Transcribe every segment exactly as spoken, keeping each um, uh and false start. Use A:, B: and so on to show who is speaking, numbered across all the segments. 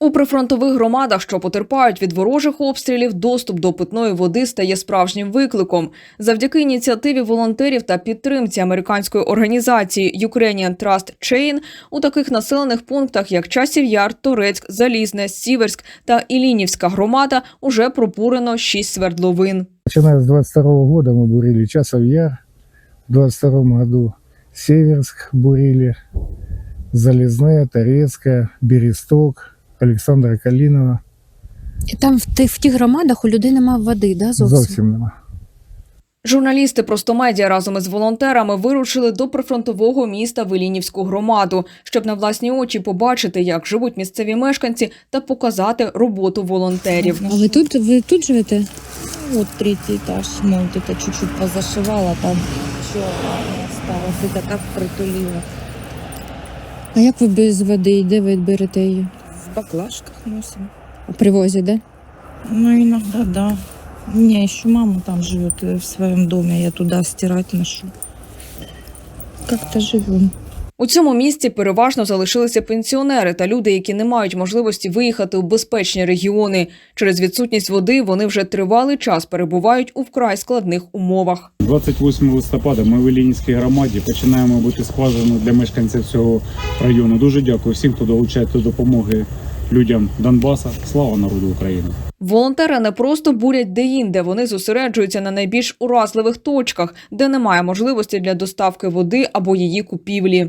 A: У прифронтових громадах, що потерпають від ворожих обстрілів, доступ до питної води стає справжнім викликом. Завдяки ініціативі волонтерів та підтримці американської організації Ukrainian Trust Chain у таких населених пунктах, як Часів Яр, Торецьк, Залізне, Сіверськ та Іллінівська громада, уже пробурено шість свердловин.
B: Начиная с двадцать второго года мы бурили Часов Яр, в двадцать втором году Северск бурили, Залезная, Торецкая, Бересток, Олександра Калинова.
C: І там в тих, в тих громадах у людей немає води, да, зовсім?
B: Зовсім нема.
A: Журналісти «Простомедіа» разом із волонтерами вирушили до прифронтового міста в Іллінівську громаду, щоб на власні очі побачити, як живуть місцеві мешканці, та показати роботу волонтерів.
C: А ви тут, ви тут живете?
D: Вот третий этаж, ну вот это чуть-чуть позашивала, там еще осталось, это так притулило.
C: А як ви без води, де ви берете її?
D: В баклажках носим.
C: У привозі, да?
D: Ну, иногда, да. У меня еще мама там живет в своем доме, я туда стирать ношу. Как-то живем.
A: У цьому місті переважно залишилися пенсіонери та люди, які не мають можливості виїхати у безпечні регіони. Через відсутність води вони вже тривалий час перебувають у вкрай складних умовах.
E: двадцять восьмого листопада ми в Іллінівській громаді починаємо бути скважину для мешканців цього району. Дуже дякую всім, хто долучається до допомоги людям Донбаса. Слава народу України!
A: Волонтери не просто бурять де-інде, вони зосереджуються на найбільш уразливих точках, де немає можливості для доставки води або її купівлі.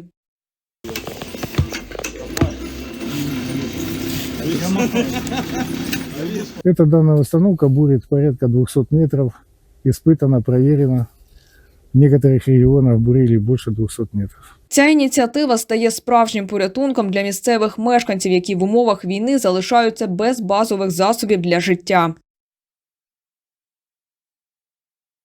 B: Эта данная установка бурит порядка двухсот метров. Испытана, проверена. В некоторых регионах бурили больше двухсот метров.
A: Ця ініціатива стає справжнім порятунком для місцевих мешканців, які в умовах війни залишаються без базових засобів для життя.